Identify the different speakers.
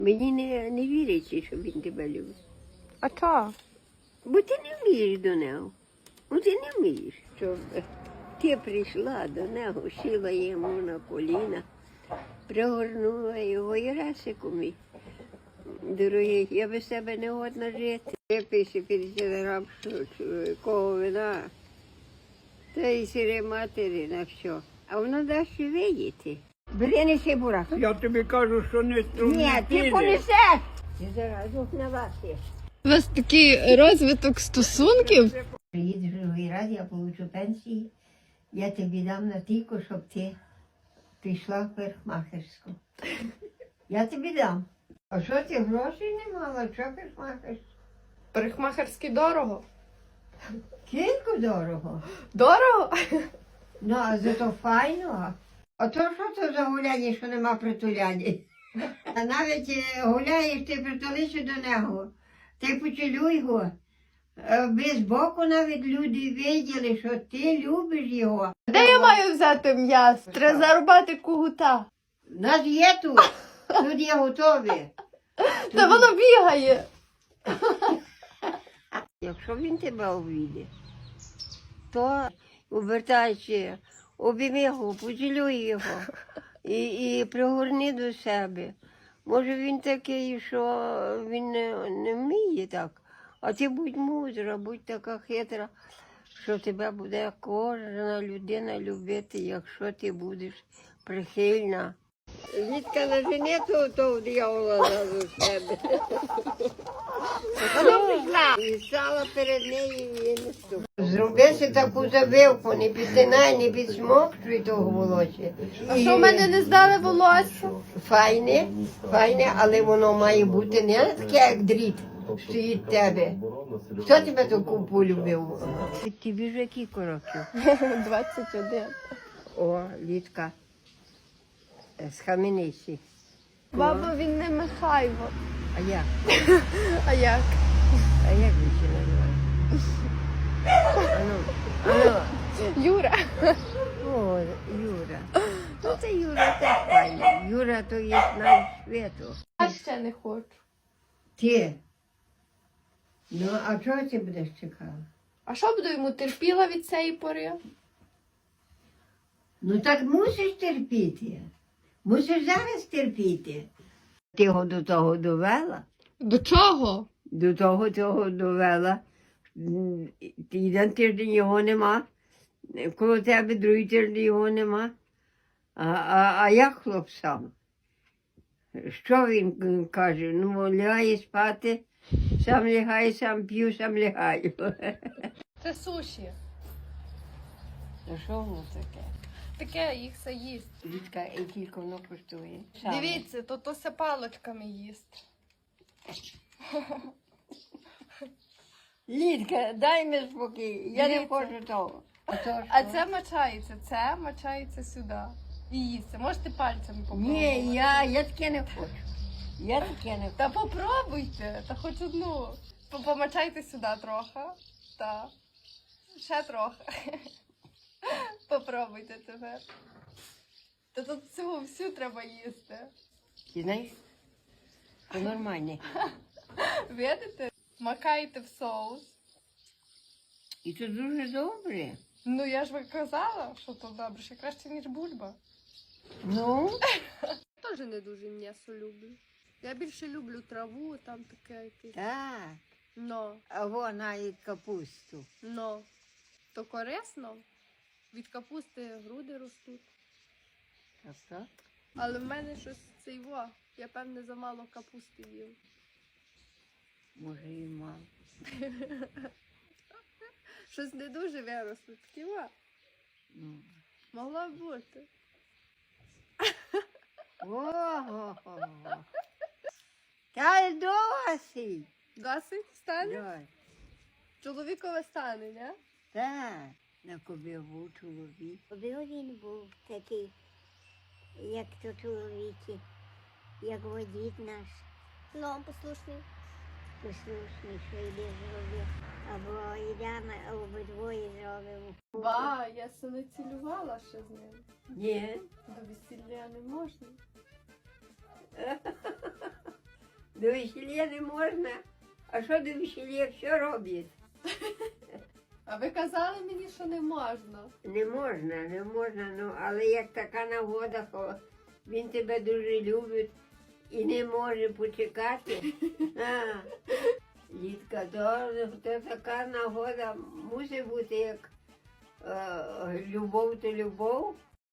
Speaker 1: Мені не віриться, що він тебе любить.
Speaker 2: А чого?
Speaker 1: Бо ти не вмієш до нього. Ти не вмієш, щоб ти прийшла до нього, сіла йому на коліна, пригорнула його і Расику мій. Дорогий, я без тебе не годна жити. Виписи 50 грам кого вина, та й сире матері на все. А воно дасть видіти. Бери, неси бурак.
Speaker 3: Я тобі кажу, що не струмні.
Speaker 1: Ні, ти понесеш. Ти зараз на вас є.
Speaker 2: У вас такий розвиток стосунків?
Speaker 1: Приїдеш другий раз, я получу пенсії, я тобі дам на тільки, щоб ти пішла в парикмахерську. Я тобі дам. А що ти грошей не мала? Що парикмахерську?
Speaker 2: Парикмахерський дорого.
Speaker 1: Кілько дорого.
Speaker 2: Дорого?
Speaker 1: Ну, а зато файно. А то що це за гуляння, що нема притуляння? А навіть гуляєш, ти притулися до нього, ти поцілуй його. Без боку навіть люди виділи, що ти любиш його.
Speaker 2: Де я маю взяти м'ясо? Треба зарубати кугута.
Speaker 1: Нас є тут. Тут є готові.
Speaker 2: Та воно бігає.
Speaker 1: Якщо він тебе обійде, то обертайся, обійми його, поцілуй його і пригорни до себе. Може він такий, що він не вміє так, а ти будь мудра, будь така хитра, що тебе буде кожна людина любити, якщо ти будеш прихильна. Лідка на жені, то диявола зразу з себе. І стала перед нею і не ступ. Зроби си таку забивку, не підтинай, не підсмокчуй того волосся.
Speaker 2: А що в мене не здали волосся?
Speaker 1: Файне, але воно має бути не таке, як дріт, стоїть тебе. Хто тебе таку полюбив? Тобі вже кілька років?
Speaker 2: 21.
Speaker 1: О, Лідка, схаменися.
Speaker 2: Баба, він не Михайло.
Speaker 1: А як?
Speaker 2: А як?
Speaker 1: А як він ще називає? Ану.
Speaker 2: Юра.
Speaker 1: О, Юра. Ну це Юра теж файний. Юра то є наш світу.
Speaker 2: Я ще не хочу.
Speaker 1: Ти? Ну, а чого ти будеш чекала?
Speaker 2: А що буду йому терпіла від цієї пори?
Speaker 1: Ну так мусиш терпіти. Мусиш зараз терпіти. Ти його до того довела?
Speaker 2: До чого?
Speaker 1: До того довела. Один тиждень його нема. Коло тебе другий тиждень його нема. А як хлоп сам? Що він каже? Ну, лягає спати, сам лягає, сам п'ю, сам лягаю.
Speaker 2: Це суші.
Speaker 1: Та що воно таке?
Speaker 2: Таке їх все їсть.
Speaker 1: Лідка, і тільки воно коштує.
Speaker 2: Дивіться, то все паличками їсть.
Speaker 1: Лідка, дай мені спокій, я не
Speaker 2: Дивіться.
Speaker 1: хочу того.
Speaker 2: А це мочається сюди. І їсться. Можете пальцями попробувати.
Speaker 1: Ні, я таке не хочу. Я таке не хочу.
Speaker 2: Та попробуйте, та хоч одну. Помочайте сюди трохи. Та. Ще трохи. Попробуйте тепер. Та тут цього всю треба їсти.
Speaker 1: Ти знаєш? Це нормально.
Speaker 2: Видите? Макаєте в соус.
Speaker 1: І це дуже добре.
Speaker 2: Ну я ж казала, що то добре, ще краще, ніж бульба.
Speaker 1: Ну?
Speaker 2: Теж не дуже м'ясо люблю. Я більше люблю траву, там таке якесь.
Speaker 1: Так.
Speaker 2: Но,
Speaker 1: А вона і капусту.
Speaker 2: то корисно. Від капусти груди ростуть.
Speaker 1: Так?
Speaker 2: Але в мене щось цейво. Я, певне, замало капусти їв.
Speaker 1: Може і мало.
Speaker 2: Щось не дуже виросло. Такі.
Speaker 1: Ну.
Speaker 2: Могло б бути.
Speaker 1: Ого. Та досить.
Speaker 2: Досить стане?
Speaker 1: Досить.
Speaker 2: Чоловікове стане, не?
Speaker 1: Так. На кобі був чоловік.
Speaker 4: Коби він був такий, як то чоловіки, як водій наш,
Speaker 2: Ну, послушний.
Speaker 4: послушний, що йде зробив, або йдемо, обидвоє зробимо.
Speaker 2: Ба, я се не цілювала ще з ним.
Speaker 1: Ні.
Speaker 2: До весілля не можна.
Speaker 1: До весілля не можна. А що до весілля, що роблять?
Speaker 2: А ви казали мені, що не можна.
Speaker 1: Не можна, не можна, ну, але як така нагода, він тебе дуже любить і не може почекати. А, Лідка, то така нагода мусить бути як любов то любов,